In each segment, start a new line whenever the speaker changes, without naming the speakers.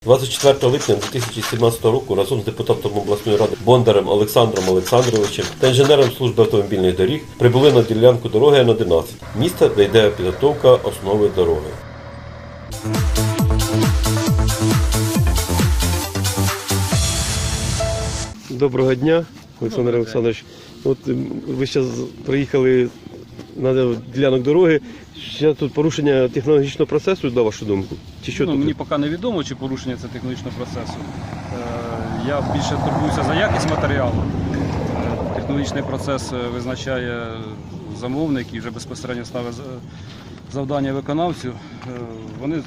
24 липня 2017 року разом з депутатом обласної ради Бондарем Олександром Олександровичем та інженером служби автомобільних доріг прибули на ділянку дороги Н-11, місце, де йде підготовка основи дороги. Доброго дня, Олександр Олександрович. От ви зараз приїхали на ділянок дороги. Ще тут порушення технологічного процесу, на вашу думку? Чи що тут?
Мені поки не відомо, чи порушення це технологічного процесу. Я більше турбуюся за якість матеріалу. Технологічний процес визначає замовник і вже безпосередньо ставить завдання виконавцю. Вони,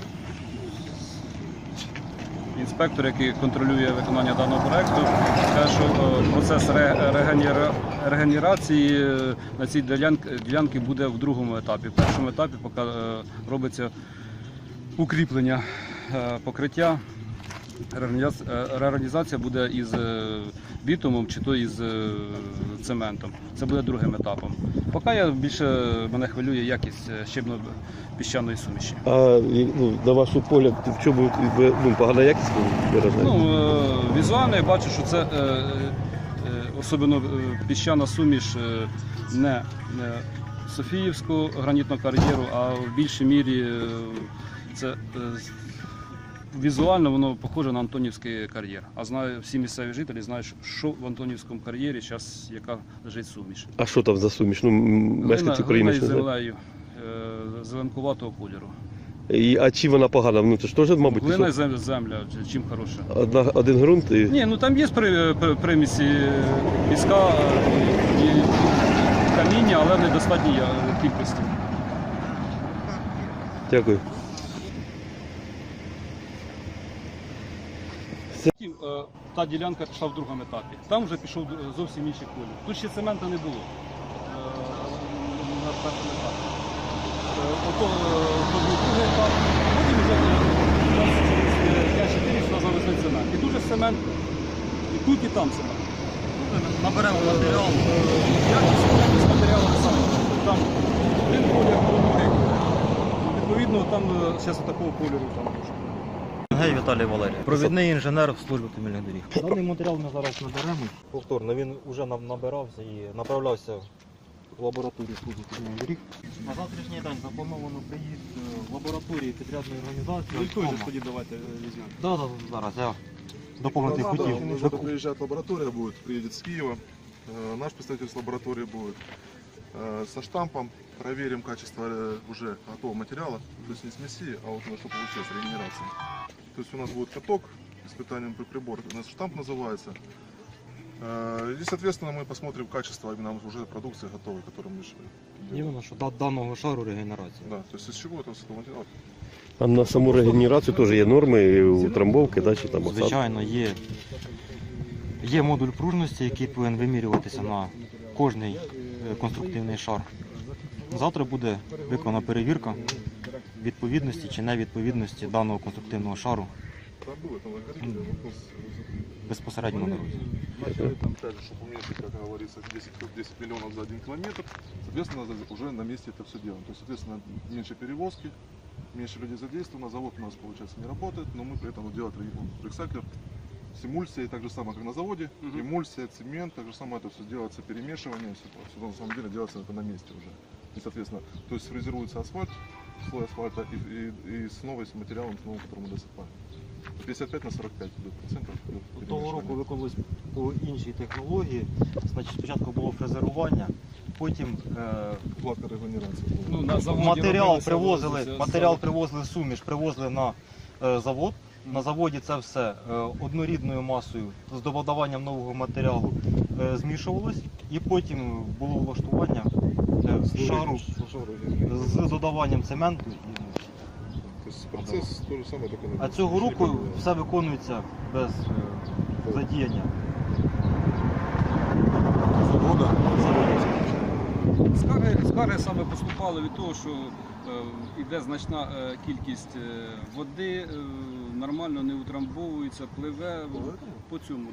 інспектор, який контролює виконання даного проєкту, каже, що процес регенерації на цій ділянці буде в другому етапі. В першому етапі поки робиться укріплення покриття. Реорганізація буде із бітумом чи то із цементом. Це буде другим етапом. Поки мене хвилює якість щебно-піщаної суміші.
А на ваш погляд, в чому погана якість виражає?
Візуально я бачу, що це особливо піщана суміш не Софіївського гранітного кар'єру, а в більшій мірі це візуально воно похоже на Антонівський кар'єр. А знаю, всі місцеві жителі знають, що в Антонівському кар'єрі зараз яка лежить суміш.
А що там за суміш? Мешканці
Глина із землею зеленкуватого кольору.
А чи вона погана? Це ж теж, мабуть,
глина і земля, чим хороша?
Один ґрунт?
Ні, там є примісі піска і каміння, але в недостатній кількості.
Дякую.
Та ділянка пішла в другому етапі. Там вже пішов зовсім інший колір. Тут ще цемента не було на першому етапі. Ото був другий етап, потім вже через 5-4 сюди завезли цемент. І дуже цемент, і тут, і там цемент. Наберемо матеріал. Якість матеріалу не саме. Там один колір, другий. Відповідно, там зараз такого кольору там може.
Гей Віталій Валерійович, провідний інженер в службі автомобільних доріг. Даний матеріал ми зараз наберемо. Повторно, він вже набирався і направлявся в лабораторію служби автомобільних доріг. На завтрашній день заплановано приїзд в лабораторії підрядної організації.
Тоді давайте візьмемо.
Так, зараз я доповнити хотів.
Нужно приезжать лаборатория будет, приедет с Киева. Наш представитель с лаборатории будет со штампом. Проверим качество уже готового материала. То есть не смеси, а вот что получилось, регенерация. То есть у нас будет каток, испытанием при прибор. У нас штамп называется. И, соответственно, мы посмотрим качество именно уже продукции готовой, которую мы делаем.
Іменно, що даного шару регенерації.
Да, то есть из чего это с этого материала?
А на саму регенерацію теж є норми утрамбовки, да, чи там осадки?
Звичайно, є модуль пружності, який повинен вимірюватися на кожний конструктивний шар. Завтра буде виконана перевірка відповідності чи невідповідності даного конструктивного шару безпосередньо на дорозі.
Там также, чтобы уменьшить, как говорится, 10 миллионов за 1 километр, соответственно, уже на месте это все делаем. То есть, соответственно, меньше перевозки, меньше людей задействовано, завод у нас, получается, не работает, но мы при этом делаем рексайклер с эмульсией, так же самое, как на заводе, эмульсия, цемент, так же самое это все делается, перемешивание, все на самом деле делается это на месте уже. И, соответственно, то есть фрезеруется асфальт, слой асфальта и с новым материалом, с новым, который мы досыпаем. 55 на 45 процентов.
Того року виконувалось по іншій технології. Значить, спочатку було фрезерування, потім
Вкладка регенерації.
матеріал привозили суміш, привозили на завод. На заводі це все однорідною масою з додаванням нового матеріалу змішувалось, і потім було влаштування шару з додаванням цементу.
Процесс то же самое, только на
А цього року все виконується без задіяння заводу.
Скарги саме поступали від того, що йде значна кількість води, нормально не утрамбовується, пливе по цьому.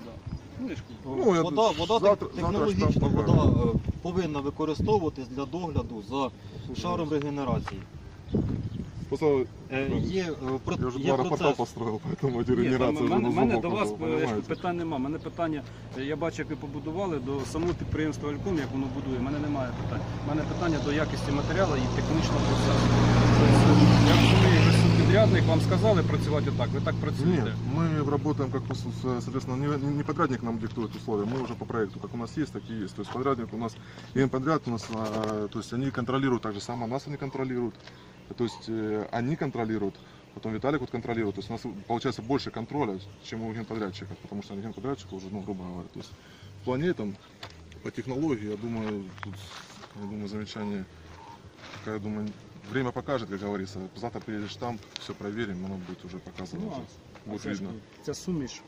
Вода технологічно повинна використовуватись для догляду за шаром регенерації.
Просто
Є,
я уже
є
два аэропорта
процес.
построил, поэтому эти
Ні, там,
регенерации уже на
мене
зубок
до вас
уже, понимаете?
питань нема. Мене питання, я бачу, як ви побудували до самого підприємства Альком, як воно будує. У мене немає питань. У мене питання до якості матеріалу і технічного процесу. Тобто, я розумію, ви субпідрядник, вам сказали працювати отак, ви так
Нет,
працюєте.
мы работаем, как, соответственно, не подрядник нам диктует условия, мы уже по проекту, как у нас есть, так и есть. То есть подрядник у нас, подряд у нас, то есть они контролируют так же само, нас они контролируют, то есть они контролируют, потом Виталик вот контролирует, то есть у нас получается больше контроля, чем у генподрядчика, потому что генподрядчика уже, ну, грубо говоря, то есть в плане там, по технологии, я думаю, тут, замечание, я думаю, время покажет, как говорится. Завтра приедешь там, все проверим, оно будет уже показано.
Ну,
Будет
Це ж,
видно.
ця суміш.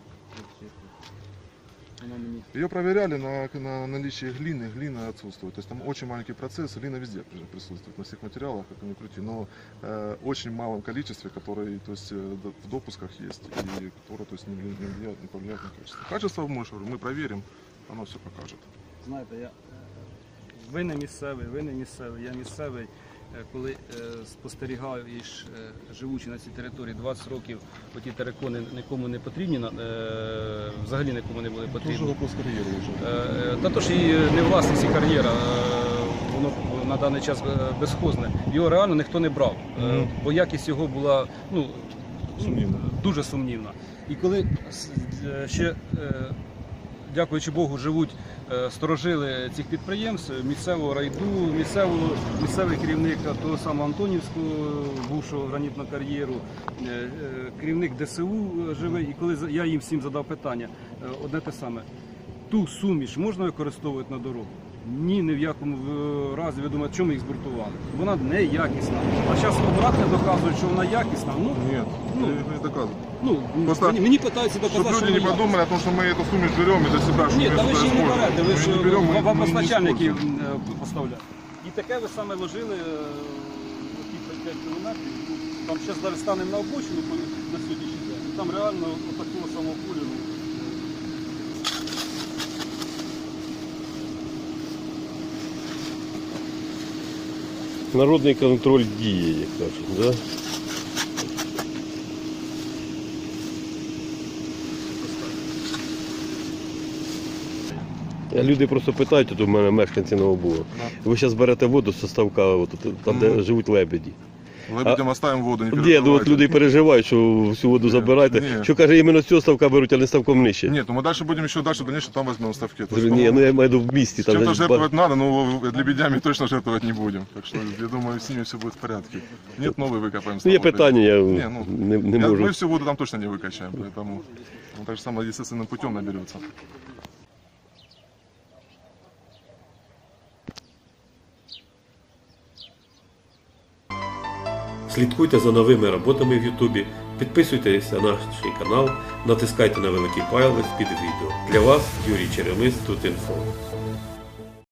Вона мені.
Ее проверяли на наличие глины, глина отсутствует. То есть там очень маленький процесс, глина везде присутствует, на всех материалах, как ни крути, но очень малом количестве, которые, то есть, в допусках есть, и которые, то есть, не повлияют на качество. Качество мы проверим, оно все покажет.
Знаєте, ви не місцевий, я місцевий. Коли спостерігаю і живучи на цій території 20 років, оті терикони нікому не потрібні, взагалі нікому не були потрібні.
вопрос карьеры уже.
Та то ж і не власність і кар'єра, воно на даний час безхозне. Його реально ніхто не брав, бо якість його була
Сумнівна.
дуже сумнівна. І коли ще, дякуючи Богу, живуть сторожили цих підприємств, місцевого райду, місцевий керівник того самого Антонівського, бувшого гранітного кар'єру, керівник ДСУ живий. І коли я їм всім задав питання, одне те саме, ту суміш можна використовувати на дорогу? Ні в якому разі. Ви думаєте, чому їх збуртували? Вона не якісна. А зараз обратно доказують, що вона якісна.
Нет,
Ну,
я не доказываю.
Ну, мені питаються
Чтобы
доказати, що
люди не
вона
подумали о том, что мы эту сумму берем и для себя, что
Ні,
мы
та ви
это
ж її не
используем.
берете, ви
Мы
ж
не берем, мы
вам
не
постачальники
используем.
поставляють. І таке ви саме ложили ті 5 кілометрів. Там зараз зараз станемо на обочину на сьогоднішній день. Там реально отакого самого кулю.
Народний контроль діє, як кажуть, да? Люди просто питають, тут у мене мешканці Новобуга. Ви зараз берете воду з ставка, от, там, де живуть лебеді.
Лебедям оставим воду, не
Ні, ну от
переживайте.
люди переживають, що всю воду забираєте.
ні.
Що каже, іменно з цього ставка беруть, а не ставком нижче.
Нет, ну мы дальше будем еще дальше, дальше там возьмем ставки. То есть,
Ні, ну я маю в виду в місті.
с чем-то
Там,
жертвовать надо, но лебедями точно жертвовать не будем. Так что я думаю, с ними все будет в порядке. Нет, новый выкопаем.
ну, є питання, я
Не, ну,
не можу.
Мы всю воду там точно не выкачаем, поэтому так же самое естественным путем наберется.
Слідкуйте за новими роботами в Ютубі, підписуйтесь на наш канал, натискайте на великий палець під відео. Для вас Юрій Черемис, Тут інфо.